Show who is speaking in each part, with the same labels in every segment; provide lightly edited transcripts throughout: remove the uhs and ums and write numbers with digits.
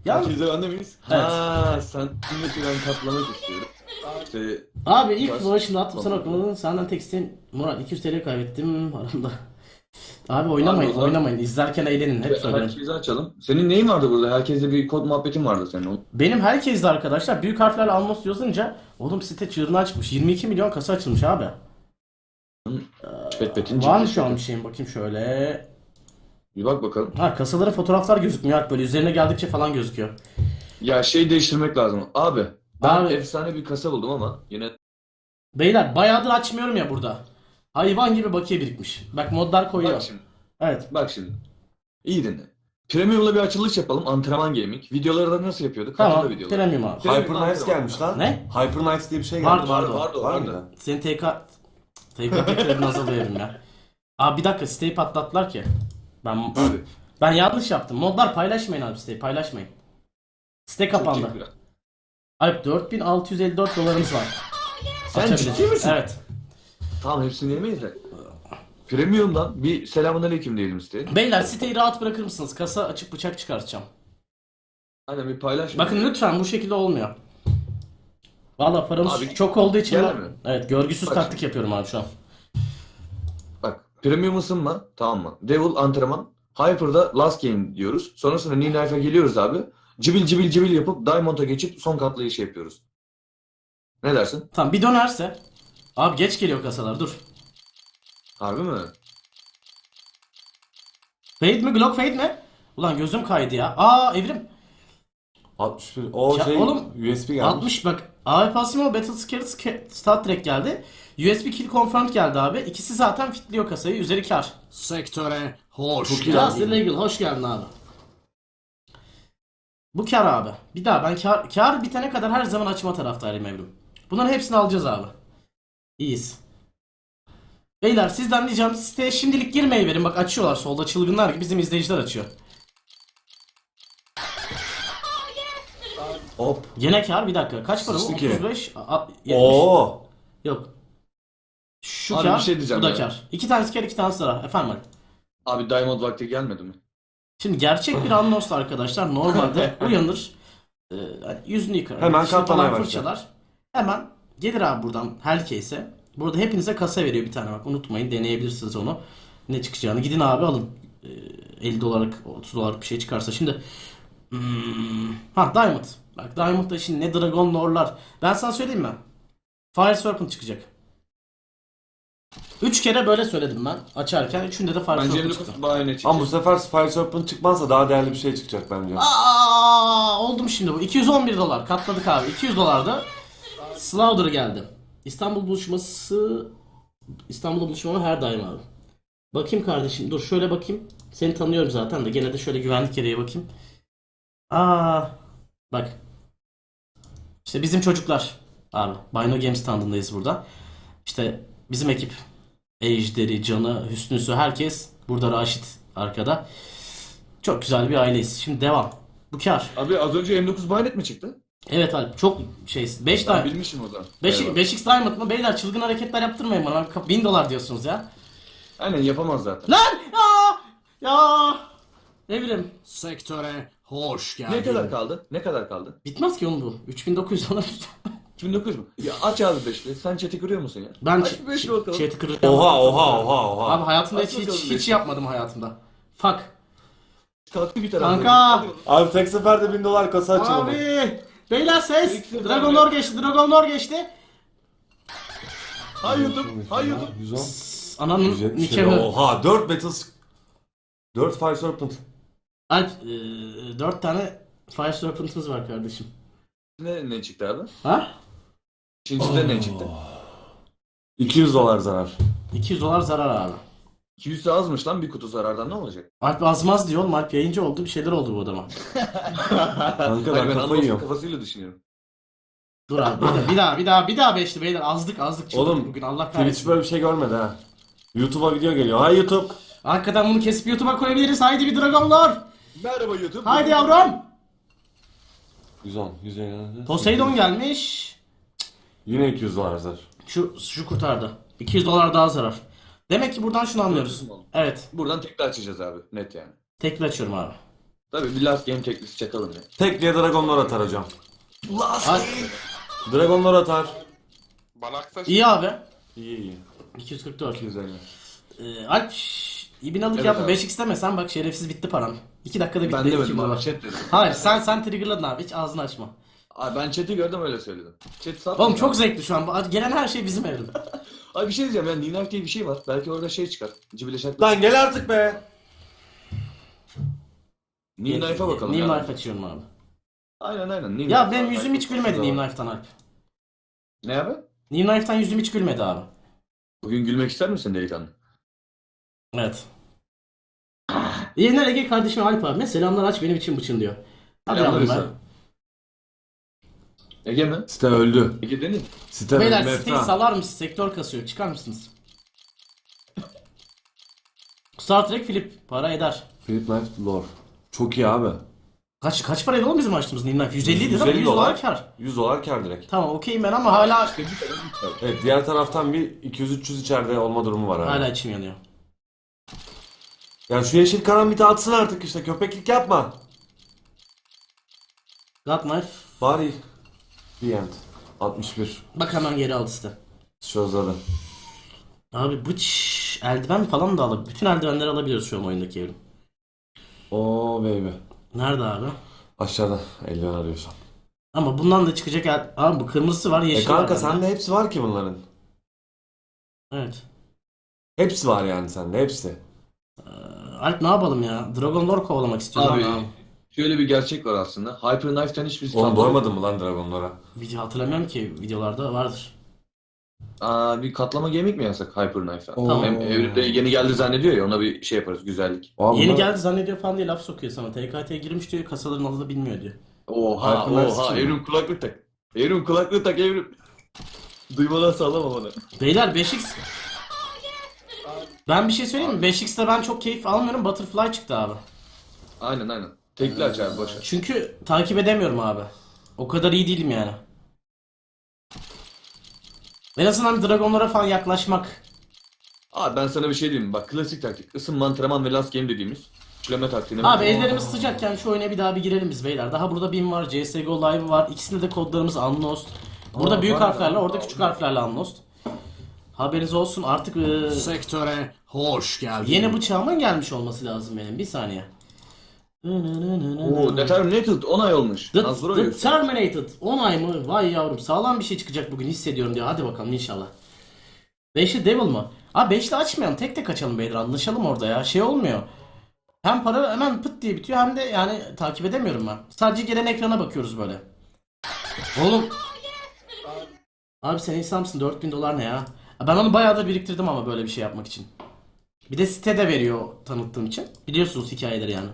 Speaker 1: Ya
Speaker 2: Herkes de bende miyiz?
Speaker 1: Evet.
Speaker 2: Ha, santimetre ben katlamak istiyorum. İşte
Speaker 1: abi ilk
Speaker 2: Bas-
Speaker 1: ulaşımda attım sana
Speaker 2: Tamam.
Speaker 1: okumadın. Senden tek isteğim Murat 200 TL kaybettim aramda. Abi
Speaker 2: Abi
Speaker 1: oynamayın
Speaker 2: o zaman
Speaker 1: oynamayın. İzlerken eğlenin. Hep söylüyorum.
Speaker 2: herkesi açalım. Senin neyin vardı burada? Herkeste bir kod muhabbetin vardı senin.
Speaker 1: Benim herkes de arkadaşlar büyük harflerle Almos yazınca oğlum site çığırından çıkmış. 22 milyon kasa açılmış abi.
Speaker 2: Çipetpetin
Speaker 1: Var mı şu an bir şeyim bakayım şöyle.
Speaker 2: Bir bak bakalım.
Speaker 1: Ha kasalara fotoğraflar gözükmüyor artık böyle üzerine geldikçe falan gözüküyor.
Speaker 2: Ya şey değiştirmek lazım. Abi ben
Speaker 1: Abi.
Speaker 2: efsane bir kasa buldum ama yine
Speaker 1: Beyler bayağıdır açmıyorum ya burada. Hayvan gibi bakiye birikmiş. Bak modlar koyuyor.
Speaker 2: bak şimdi.
Speaker 1: Evet.
Speaker 2: Bak şimdi. İyi dinle. Premium'la bir açılış yapalım. Antrenman gaming. Videoları da nasıl yapıyorduk?
Speaker 1: Tamam.
Speaker 2: Hatırla videoları.
Speaker 1: Premium abi.
Speaker 2: Premium
Speaker 3: Hyper Knights
Speaker 2: antrenman.
Speaker 3: gelmiş lan.
Speaker 1: Ne?
Speaker 3: Hyper Knights diye bir şey
Speaker 1: Vardı,
Speaker 3: gelmiş.
Speaker 1: vardı.
Speaker 2: Vardı,
Speaker 3: Var
Speaker 2: vardı.
Speaker 3: mı?
Speaker 1: Senin TK tekrarını hazırlayalım ya. Abi bir dakika siteyi patlattılar ki.
Speaker 2: Abi.
Speaker 1: Ben yanlış yaptım. Modlar paylaşmayın abi siteyi paylaşmayın. Site kapandı.
Speaker 2: Çok ciddi.
Speaker 1: Abi 4654 dolarımız var.
Speaker 2: Sen
Speaker 1: Açabiliriz.
Speaker 2: ciddi misin?
Speaker 1: Evet.
Speaker 2: Tamam hepsini yemeyiz de. Premium'dan bir selamünaleyküm diyelim siteye.
Speaker 1: Beyler siteyi rahat bırakır mısınız? Kasa açıp bıçak çıkartacağım.
Speaker 2: Aynen bir paylaş.
Speaker 1: Bakın lütfen bu şekilde olmuyor. Valla paramız
Speaker 2: Abi,
Speaker 1: çok olduğu için
Speaker 2: gel
Speaker 1: ben...
Speaker 2: mi?
Speaker 1: Evet görgüsüz
Speaker 2: Bak
Speaker 1: taktik
Speaker 2: şimdi.
Speaker 1: yapıyorum abi şu an.
Speaker 2: Bak premium ısınma tamam mı? Devil antrenman. Hyper'da last game diyoruz. Sonrasında New Knife'a geliyoruz abi. Cibil cibil cibil yapıp Diamond'a geçip son katlayışı yapıyoruz. Ne dersin?
Speaker 1: Tamam bir dönerse. Abi geç geliyor kasalar dur.
Speaker 2: Harbi mi?
Speaker 1: Fade mi? Glock fade mi? Ulan gözüm kaydı ya. Aa evrim.
Speaker 3: 61. O
Speaker 1: Ya
Speaker 3: şey
Speaker 1: oğlum,
Speaker 3: USB gelmiş.
Speaker 1: 60 bak. AWP Asimo Battle Scared Star Trek geldi. USB Kill Confirmed geldi abi. İkisi zaten fitliyor kasayı. Üzeri kar.
Speaker 4: Sektöre hoş
Speaker 3: Çok iyi
Speaker 1: Just
Speaker 3: geldin.
Speaker 1: Illegal. Hoş geldin abi. Bu kar abi. Bir daha ben kar bitene kadar her zaman açma taraftayım evrim. Bunların hepsini alacağız abi. İyiyiz. Beyler sizden diyeceğim siteye şimdilik girmeyi verin. Bak açıyorlar solda çılgınlar gibi bizim izleyiciler açıyor.
Speaker 3: Hop.
Speaker 1: Gene kar bir dakika. Kaç para bu?
Speaker 3: Sıçtı ki.
Speaker 1: 35. 70.
Speaker 3: Oo.
Speaker 1: Yok. Şu
Speaker 2: Abi
Speaker 1: kar,
Speaker 2: bir şey diyeceğim
Speaker 1: bu da
Speaker 2: ya.
Speaker 1: kar. İki tanesi kar, iki tanesi zarar. Efendim Ali.
Speaker 2: Abi Diamond vakti gelmedi mi?
Speaker 1: Şimdi gerçek bir Anlos arkadaşlar normalde uyanır. Hani yüzünü yıkar.
Speaker 3: Hemen
Speaker 1: dişini
Speaker 3: katlamaya
Speaker 1: falan
Speaker 3: başlar.
Speaker 1: fırçalar. Hemen gelir abi buradan Hellcase'e. Burada hepinize kasa veriyor bir tane bak unutmayın deneyebilirsiniz onu. Ne çıkacağını gidin abi alın. 50 dolarlık 30 dolarlık bir şey çıkarsa şimdi Diamond. Bak Diamond'da şimdi ne Dragon Lore'lar. Ben sana söyleyeyim mi? Fire Serpent çıkacak. 3 kere böyle söyledim ben açarken. Üçünde de Fire
Speaker 2: Bence
Speaker 1: Serpent çıktı.
Speaker 2: 59 bahane çıktı.
Speaker 3: Ama bu sefer Fire Serpent çıkmazsa daha değerli bir şey çıkacak bence.
Speaker 1: Oldum şimdi bu. 211 dolar. Katladık abi. 200 dolarda Slaughter geldi. İstanbul'da buluşmama her daim abi. Bakayım kardeşim. Dur şöyle bakayım. Seni tanıyorum zaten de gene de şöyle güvenlik gereği bakayım. Bak. İşte bizim çocuklar abi. Bino Games standındayız burada. İşte bizim ekip. Ejder'i, Can'ı, Hüsnü'sü herkes. Burada Raşit arkada. Çok güzel bir aileyiz. Şimdi devam. Bu kar.
Speaker 2: Abi az önce M9 bayonet mi çıktı?
Speaker 1: Evet Alp çok şey 5
Speaker 2: Ben
Speaker 1: tane
Speaker 2: bilmişim o zaman.
Speaker 1: 5
Speaker 2: Eyvallah.
Speaker 1: 5x Diamond mı? Beyler çılgın hareketler yaptırmayın bana. 1000 dolar diyorsunuz ya.
Speaker 2: Aynen yapamaz zaten.
Speaker 1: Lan! Ya! Ne bileyim.
Speaker 4: sektöre hoş geldin.
Speaker 2: Ne kadar kaldı? Ne kadar kaldı?
Speaker 1: Bitmez ki oğlum bu. 3900 dolar.
Speaker 2: 2900 mu? Ya aç abi beşli. Sen chat'i kırıyor musun ya?
Speaker 1: Ben
Speaker 2: Aç bir beşli bakalım.
Speaker 1: chat'i kıracağım.
Speaker 3: Oha.
Speaker 1: Abi hayatımda
Speaker 2: Aç
Speaker 1: hiç
Speaker 2: bakalım
Speaker 1: hiç
Speaker 2: beşli.
Speaker 1: yapmadım hayatımda. Fuck.
Speaker 2: Kalktı bir taraftan.
Speaker 1: Kanka!
Speaker 3: Abi tek seferde 1000 dolar kasa açıldı.
Speaker 1: Abi! Beyler ses!
Speaker 2: Eksik
Speaker 1: Dragon
Speaker 2: abi.
Speaker 1: Lore geçti. Dragon Lore geçti.
Speaker 2: Hay YouTube. Hay YouTube.
Speaker 3: 110.
Speaker 1: Ananın
Speaker 3: 170
Speaker 1: nikahı.
Speaker 3: Oha 4 Battles. 4 Fire Serpent.
Speaker 1: Alp 4 tane Fire Serpent'ımız var kardeşim.
Speaker 2: Ne çıktı abi?
Speaker 1: Ha?
Speaker 2: İkincide ne çıktı?
Speaker 3: 200 dolar zarar.
Speaker 1: 200 dolar zarar abi.
Speaker 2: 200 de azmış lan bir kutu zarardan ne olacak?
Speaker 1: Alp azmaz diyor oğlum. Alp yayıncı oldu. Bir şeyler oldu bu adama.
Speaker 3: Kanka
Speaker 2: Hayır,
Speaker 3: ben
Speaker 2: ben
Speaker 3: kafayı
Speaker 2: Anadolu
Speaker 3: yiyorum.
Speaker 2: kafasıyla düşünüyorum.
Speaker 1: Dur abi bir daha beşli beyler azdık çıktık
Speaker 3: Oğlum
Speaker 1: bugün Allah
Speaker 3: Twitch
Speaker 1: kahretsin.
Speaker 3: böyle bir şey görmedi ha. YouTube'a video geliyor. Hay YouTube.
Speaker 1: Hakikaten bunu kesip YouTube'a koyabiliriz. Haydi bir dragonlar.
Speaker 2: Merhaba YouTube.
Speaker 1: Haydi yavrum.
Speaker 3: 110, 150.
Speaker 1: Poseidon gelmiş.
Speaker 3: Yine 200 dolar zarar.
Speaker 1: Şu kurtardı. 200 dolar daha zarar. Demek ki buradan şunu anlıyoruz. Evet.
Speaker 2: Buradan tekrar açacağız abi. Net yani.
Speaker 1: Tekrar açıyorum abi.
Speaker 2: Tabii bir last game teklisi çakalım ya.
Speaker 3: Tek diye Dragonlar atar hocam.
Speaker 2: Last
Speaker 1: Ay,
Speaker 3: Dragonlar atar.
Speaker 5: Balaktaş.
Speaker 1: iyi abi.
Speaker 3: İyi iyi.
Speaker 1: 244.
Speaker 3: 250.
Speaker 1: Alp ibinalık
Speaker 2: Evet
Speaker 1: yapma.
Speaker 2: abi.
Speaker 1: 5x demesen bak şerefsiz bitti param. 2 dakikada bitti.
Speaker 2: Ben
Speaker 1: 2
Speaker 2: demedim abi
Speaker 1: dolar.
Speaker 2: chat dedim.
Speaker 1: Hayır sen triggerladın abi. Hiç ağzını açma.
Speaker 2: Abi ben chat'i gördüm öyle söyledim. Chat sat.
Speaker 1: Oğlum çok zevkli şu an. Gelen her şey bizim evrim.
Speaker 2: Abi bir şey diyeceğim yani Nina diye bir şey var. Belki orada şey çıkar. Cibileşek.
Speaker 3: Lan gel artık be.
Speaker 2: New Knife'a bakalım.
Speaker 1: New
Speaker 2: ya.
Speaker 1: Knife açıyorum abi.
Speaker 2: Aynen. New
Speaker 1: Ya
Speaker 2: Knife.
Speaker 1: benim yüzüm hiç gülmedi
Speaker 3: Tamam.
Speaker 1: New Knife'tan Alp.
Speaker 2: Ne abi?
Speaker 1: New Knife'tan yüzüm hiç gülmedi abi.
Speaker 2: Bugün gülmek ister misin delikanlı?
Speaker 1: Evet. Yener Ege kardeşim Alp abi. Selamlar aç benim için bıçın diyor. Hadi
Speaker 2: Selamlar
Speaker 1: yavrum ben.
Speaker 2: Hüsam. Ege mi?
Speaker 3: Site öldü.
Speaker 2: Ege değil mi?
Speaker 3: Site
Speaker 1: Beyler
Speaker 3: öldü.
Speaker 1: siteyi
Speaker 3: Mefta.
Speaker 1: salar mısınız? Sektör kasıyor. Çıkar mısınız? Star Trek Flip. Para eder.
Speaker 3: Philip Knife Lore. Çok iyi abi.
Speaker 1: Kaç paraydı oğlum bizim açtığımız New Knife? 150 idi değil mi?
Speaker 3: 150
Speaker 1: 100 dolar kar.
Speaker 3: 100 dolar kar direkt.
Speaker 1: Tamam okeyim ben ama hala
Speaker 3: Evet diğer taraftan bir 200-300 içeride olma durumu var abi.
Speaker 1: hala içim yanıyor.
Speaker 3: Ya şu yeşil karambiti atsın artık işte köpeklik yapma.
Speaker 1: God Knife.
Speaker 3: Bari. The end. 61.
Speaker 1: Bak hemen geri aldı site.
Speaker 3: Şozladı.
Speaker 1: Abi bıç eldiven falan da alabilir. Bütün eldivenleri alabiliyoruz şu an oyundaki evrim.
Speaker 3: Oo baby.
Speaker 1: Nerede abi?
Speaker 3: Aşağıda eldiven arıyorsan.
Speaker 1: Ama bundan da çıkacak abi bu kırmızısı var yeşil var.
Speaker 3: Kanka
Speaker 1: bende.
Speaker 3: sende hepsi var ki bunların.
Speaker 1: Evet.
Speaker 3: Hepsi var yani sende hepsi.
Speaker 1: Alp ne yapalım ya? Dragon Lore kovalamak istiyorum
Speaker 2: Abi
Speaker 1: ama.
Speaker 2: şöyle bir gerçek var aslında. Hyper Knife'den hiçbir
Speaker 3: Oğlum doymadın mı lan Dragonlara?
Speaker 1: Video hatırlamıyorum ki videolarda vardır.
Speaker 2: Bir katlama gaming mi yapsak Hyper Knife'dan?
Speaker 3: Oo.
Speaker 2: Hem evrimde yeni geldi zannediyor ya ona bir şey yaparız güzellik.
Speaker 3: Abi
Speaker 1: Yeni
Speaker 3: bunlar-
Speaker 1: geldi zannediyor falan diye laf sokuyor sana. TKT'ye girmiş diyor kasaların adını bilmiyor diyor.
Speaker 2: Oha
Speaker 3: Hyper Knife kim?
Speaker 2: evrim kulaklık tak. Evrim kulaklık tak evrim. Duymadan sallama bana.
Speaker 1: Beyler 5x. Ben bir şey söyleyeyim mi? 5x'te ben çok keyif almıyorum. Butterfly çıktı abi.
Speaker 2: Aynen. Tekli aç abi boş ver.
Speaker 1: Çünkü takip edemiyorum abi. O kadar iyi değilim yani. En azından Dragonlara falan yaklaşmak.
Speaker 2: Abi ben sana bir şey diyeyim mi? Bak klasik taktik. Isınma, antrenman ve last game dediğimiz. Üçleme taktiğine.
Speaker 1: Abi ellerimiz sıcakken şu oyuna bir daha bir girelim biz beyler. Daha burada BIM var, CSGO Live var. İkisinde de kodlarımız Unlost. Burada büyük
Speaker 2: var
Speaker 1: harflerle,
Speaker 2: ya.
Speaker 1: orada küçük harflerle Unlost. Haberiniz olsun artık
Speaker 4: Sektöre hoş geldin.
Speaker 1: yeni bıçağımın gelmiş olması lazım benim. Bir saniye.
Speaker 2: Oo, Determinated 10 ay olmuş.
Speaker 1: The,
Speaker 2: Nazlı
Speaker 1: The
Speaker 2: oynuyorsun.
Speaker 1: Terminated 10 ay mı? Vay yavrum sağlam bir şey çıkacak bugün hissediyorum diyor. Hadi bakalım inşallah. 5'li Devil mı? Abi 5'li açmayalım. Tek tek açalım beyler. Anlaşalım orada ya. Şey olmuyor. Hem para hemen pıt diye bitiyor hem de yani takip edemiyorum ben. Sadece gelen ekrana bakıyoruz böyle. Oğlum. Abi sen insansın 4000 dolar ne ya? Ben onu bayağı da biriktirdim ama böyle bir şey yapmak için. Bir de site de veriyor tanıttığım için. Biliyorsunuz hikayeleri yani.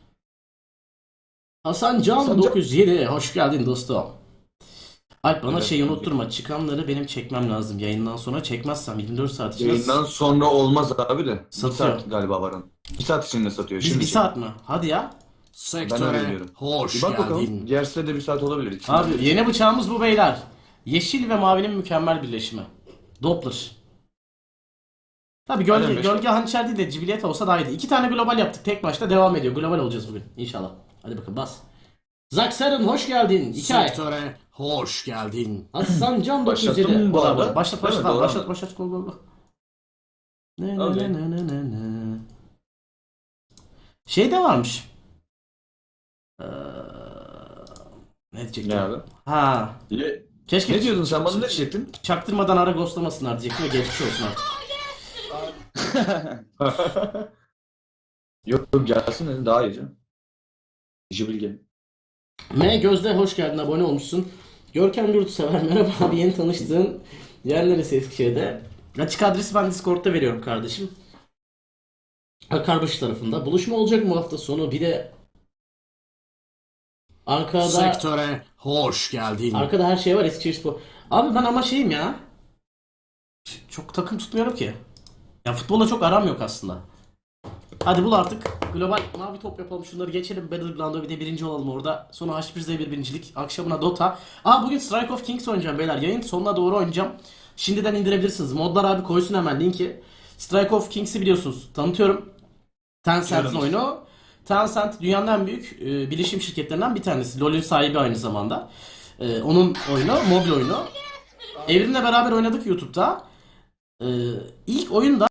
Speaker 1: Hasan Can 907 hoş geldin dostum. Alp bana
Speaker 2: Evet,
Speaker 1: şeyi
Speaker 2: tabii.
Speaker 1: unutturma. Çıkanları benim çekmem lazım. Yayından sonra çekmezsem 24 saat içinde.
Speaker 2: Yayından sonra olmaz abi de. Bir
Speaker 1: Satıyor.
Speaker 2: saat galiba var onun. 1 saat içinde satıyor.
Speaker 1: Biz
Speaker 2: Şimdi
Speaker 1: bir saat mi? Hadi ya.
Speaker 2: Ben öyle
Speaker 4: Sektöre
Speaker 2: diyorum.
Speaker 4: hoş
Speaker 2: Bir bak
Speaker 4: geldin.
Speaker 2: bakalım. Diğer sitede 1 saat olabilir. İkisinden
Speaker 1: Abi
Speaker 2: biri.
Speaker 1: yeni bıçağımız bu beyler. Yeşil ve mavinin mükemmel birleşimi. Doppler. Tabi
Speaker 2: Aynen,
Speaker 1: gölge,
Speaker 2: beş
Speaker 1: gölge hançer değil de cibiliyet olsa daha iyiydi. 2 tane global yaptık. Tek başta devam ediyor. Global olacağız bugün. İnşallah. Hadi bakın bas. Zaksarın hoş geldin. 2 ay.
Speaker 4: Sektöre hoş geldin.
Speaker 1: Hasan Can 907.
Speaker 2: Başlattın bu arada.
Speaker 1: Başlat
Speaker 2: Değil
Speaker 1: başlat
Speaker 2: mi?
Speaker 1: abi.
Speaker 2: Doğru
Speaker 1: Başlat
Speaker 2: anladım.
Speaker 1: başlat. Go go go. Ne
Speaker 2: Okey.
Speaker 1: ne. Şey de varmış. Ne diyecektim?
Speaker 2: Ne abi?
Speaker 1: Ha. Keşke
Speaker 2: Ne diyordun sen bana ne diyecektin?
Speaker 1: çaktırmadan ara ghostlamasınlar diyecektim ve geçmiş olsun artık.
Speaker 2: Yok gelsin dedim daha iyi canım. Jibilge.
Speaker 1: M Gözde hoş geldin, abone olmuşsun. Görkem Yurtsever merhaba abi, yeni tanıştığın yer neresi Eskişehir'de? Açık adresi ben Discord'da veriyorum kardeşim. Akarbaşı tarafında. Buluşma olacak mı hafta sonu? Bir de Ankara'da
Speaker 4: Sektöre hoş geldin.
Speaker 1: arkada her şey var Eskişehirspor. Abi ben ama şeyim ya. Çok takım tutmuyorum ki. Ya futbolla çok aram yok aslında. Hadi bul artık. Global mavi top yapalım. Şunları geçelim. Battleground'a bir de birinci olalım orada. Sonra H1Z1 birincilik. Akşamına Dota. Bugün Strike of Kings oynayacağım beyler. Yayın sonuna doğru oynayacağım. Şimdiden indirebilirsiniz. Modlar abi koysun hemen linki. Strike of Kings'i biliyorsunuz. Tanıtıyorum. Tencent'in
Speaker 2: Biliyoruz.
Speaker 1: oyunu. Tencent dünyanın en büyük bilişim şirketlerinden bir tanesi. LoL'ün sahibi aynı zamanda. Onun oyunu, mobil oyunu. Evrim'le beraber oynadık YouTube'da. İlk oyunda